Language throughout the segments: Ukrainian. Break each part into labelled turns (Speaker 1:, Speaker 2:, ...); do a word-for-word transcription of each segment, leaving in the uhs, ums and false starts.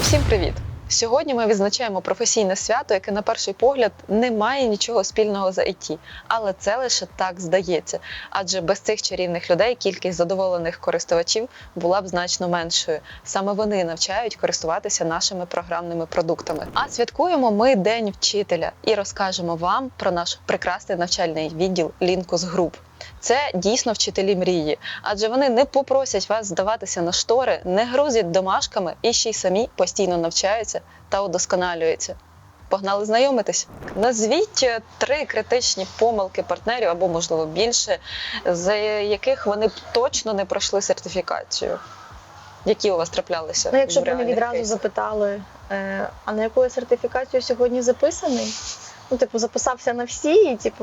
Speaker 1: Всім привіт! Сьогодні ми відзначаємо професійне свято, яке на перший погляд не має нічого спільного з ай ті. Але це лише так здається. Адже без цих чарівних людей кількість задоволених користувачів була б значно меншою. Саме вони навчають користуватися нашими програмними продуктами. А святкуємо ми День вчителя і розкажемо вам про наш прекрасний навчальний відділ Linkus Group. Це дійсно вчителі мрії, адже вони не попросять вас здаватися на штори, не грузять домашками і ще й самі постійно навчаються та удосконалюються. Погнали знайомитись? Назвіть три критичні помилки партнерів, або, можливо, більше, з яких вони б точно не пройшли сертифікацію. Які у вас траплялися?
Speaker 2: Ну, якщо
Speaker 1: в
Speaker 2: б вони відразу
Speaker 1: кейсах?
Speaker 2: запитали, е, а на яку сертифікацію сьогодні записаний? Ну, типу, записався на всі і, типу,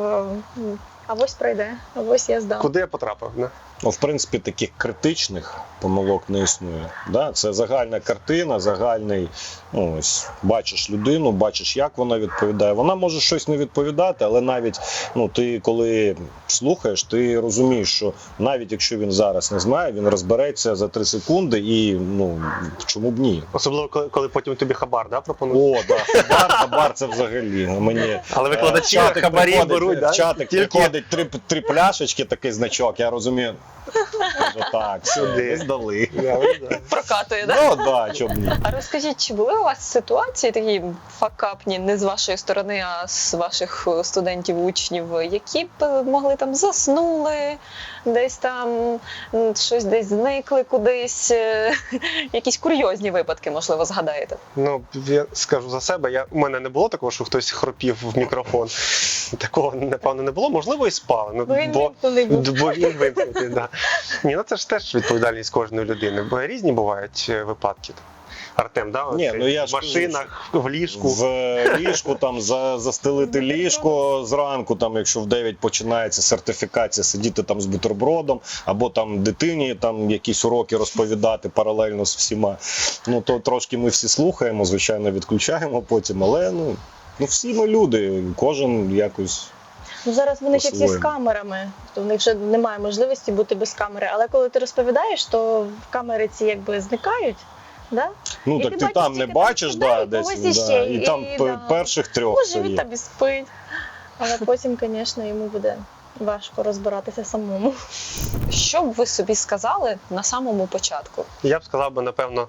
Speaker 2: а ось пройде, а ось я здам.
Speaker 3: Куди я потрапив? Не?
Speaker 4: Ну, в принципі, таких критичних помилок не існує. Да? Це загальна картина, загальний, ну, ось, бачиш людину, бачиш, як вона відповідає. Вона може щось не відповідати, але навіть, ну, ти коли слухаєш, ти розумієш, що навіть якщо він зараз не знає, він розбереться за три секунди і, ну, чому б ні?
Speaker 3: Особливо, коли, коли потім тобі хабар, да, пропонують?
Speaker 4: О, да, хабар, хабар це взагалі. Мені,
Speaker 3: Але викладачі
Speaker 4: е, в чатик
Speaker 3: хабарі
Speaker 4: приходить,
Speaker 3: беруть, да?
Speaker 4: в чатик
Speaker 3: Тільки-
Speaker 4: приходить три, три пляшечки, такий значок, я розумію. Кажу, так, сюди здали.
Speaker 1: Прокатує, так?
Speaker 4: Ну, так, чому б ні.
Speaker 1: А розкажіть, чи були у вас ситуації такі факапні, не з вашої сторони, а з ваших студентів, учнів, які б могли там заснули, десь там м, щось десь зникли кудись, е, якісь курйозні випадки, можливо, згадаєте?
Speaker 3: Ну, я скажу за себе, я, у мене не було такого, що хтось хропів в мікрофон. Такого, напевно, не було. Можливо, і спали. Ну,
Speaker 2: Бо він
Speaker 3: бо,
Speaker 2: вимкнений був.
Speaker 3: бо він вимкнутий, да. Ні, ну це ж теж відповідальність кожної людини. Бо різні бувають е, випадки. Артем, да?
Speaker 4: Ні,
Speaker 3: Оце
Speaker 4: ну, я
Speaker 3: в
Speaker 4: ж
Speaker 3: машинах, в ліжку.
Speaker 4: В ліжку, там, за, застелити ліжко зранку, там, якщо в дев'ять починається сертифікація, сидіти там з бутербродом, або там дитині там якісь уроки розповідати паралельно з всіма. Ну, то трошки ми всі слухаємо, звичайно, відключаємо потім, але, ну, ну всі ми люди, кожен якось...
Speaker 2: Ну, зараз вони ще всі з
Speaker 4: По-своєму.
Speaker 2: камерами, то в них вже немає можливості бути без камери. Але коли ти розповідаєш, то камери ці якби зникають. Да?
Speaker 4: Ну,
Speaker 2: І
Speaker 4: так
Speaker 2: ти
Speaker 4: ти
Speaker 2: бачиш
Speaker 4: там не
Speaker 2: тільки
Speaker 4: бачиш,
Speaker 2: там
Speaker 4: да,
Speaker 2: людей,
Speaker 4: десь,
Speaker 2: когось іще,
Speaker 4: да, і
Speaker 2: і-
Speaker 4: там
Speaker 2: і,
Speaker 4: п-
Speaker 2: да.
Speaker 4: перших трьох
Speaker 2: Може,
Speaker 4: все
Speaker 2: він
Speaker 4: є.
Speaker 2: там і спить. Але потім, звісно, йому буде важко розбиратися самому.
Speaker 1: Що б ви собі сказали на самому початку?
Speaker 3: Я б сказав би, напевно,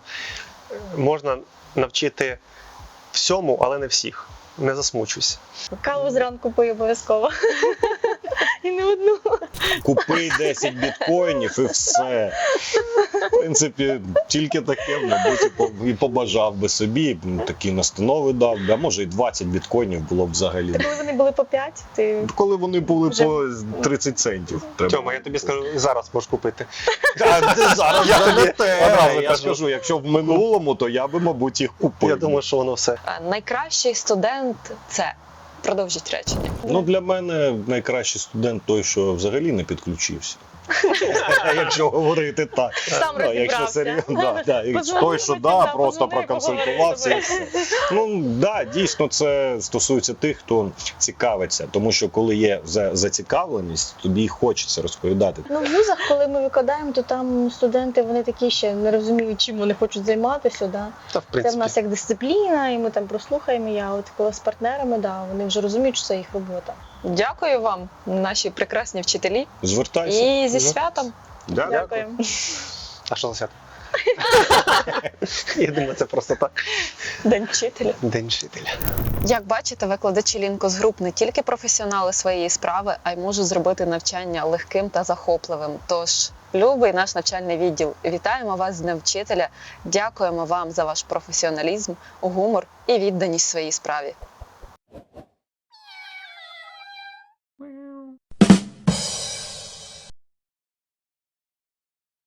Speaker 3: можна навчити всьому, але не всіх. Не засмучуйся.
Speaker 2: Каву зранку пий обов'язково. І не одну.
Speaker 4: Купи десять біткоїнів і все. В принципі, тільки таке, мабуть, і по- і побажав би собі, такі настанови дав, а може і двадцять біткоїнів було б взагалі.
Speaker 2: Коли вони були по п'ять, ти
Speaker 4: Коли вони були
Speaker 2: Вже-
Speaker 4: по тридцять центів. треба
Speaker 3: Тьома, я тобі скажу, зараз можеш купити.
Speaker 4: А, зараз
Speaker 3: Я
Speaker 4: вже
Speaker 3: тобі
Speaker 4: не те.
Speaker 3: одразу
Speaker 4: Я
Speaker 3: кажу.
Speaker 4: скажу, якщо в минулому, то я би, мабуть, їх купив.
Speaker 3: Я думаю, що воно все.
Speaker 1: А найкращий студент – це… Продовжіть речення.
Speaker 4: Ну, для мене найкращий студент той, що взагалі не підключився. Якщо говорити так.
Speaker 2: сам
Speaker 4: Ну, якщо
Speaker 2: розібрався.
Speaker 4: серйозно, да, да. І
Speaker 2: Позвонив,
Speaker 4: той, що
Speaker 2: потім,
Speaker 4: да,
Speaker 2: да,
Speaker 4: просто
Speaker 2: позвонив,
Speaker 4: проконсультувався і
Speaker 2: поговорив
Speaker 4: все. Ну, да, дійсно, це стосується тих, хто цікавиться. Тому що коли є за- зацікавленість, тобі й хочеться розповідати.
Speaker 2: Ну, в вузах, коли ми викладаємо, то там студенти, вони такі ще не розуміють, чим вони хочуть займатися. Да.
Speaker 3: Та, в
Speaker 2: Це в
Speaker 3: принципі,
Speaker 2: нас як дисципліна, і ми там прослухаємо. Я от коли з партнерами, да, вони вже розуміють, що це їх робота.
Speaker 1: Дякую вам, наші прекрасні вчителі.
Speaker 4: Звертайся.
Speaker 1: І зі
Speaker 4: Да.
Speaker 1: святом.
Speaker 4: Да,
Speaker 2: Дякую.
Speaker 3: а що за свято? Я думаю, це просто так.
Speaker 1: День вчителя.
Speaker 3: День вчителя.
Speaker 1: Як бачите, викладачі Linkus Group не тільки професіонали своєї справи, а й можуть зробити навчання легким та захопливим. Тож, любий наш навчальний відділ, вітаємо вас з Днем вчителя, дякуємо вам за ваш професіоналізм, гумор і відданість своїй справі.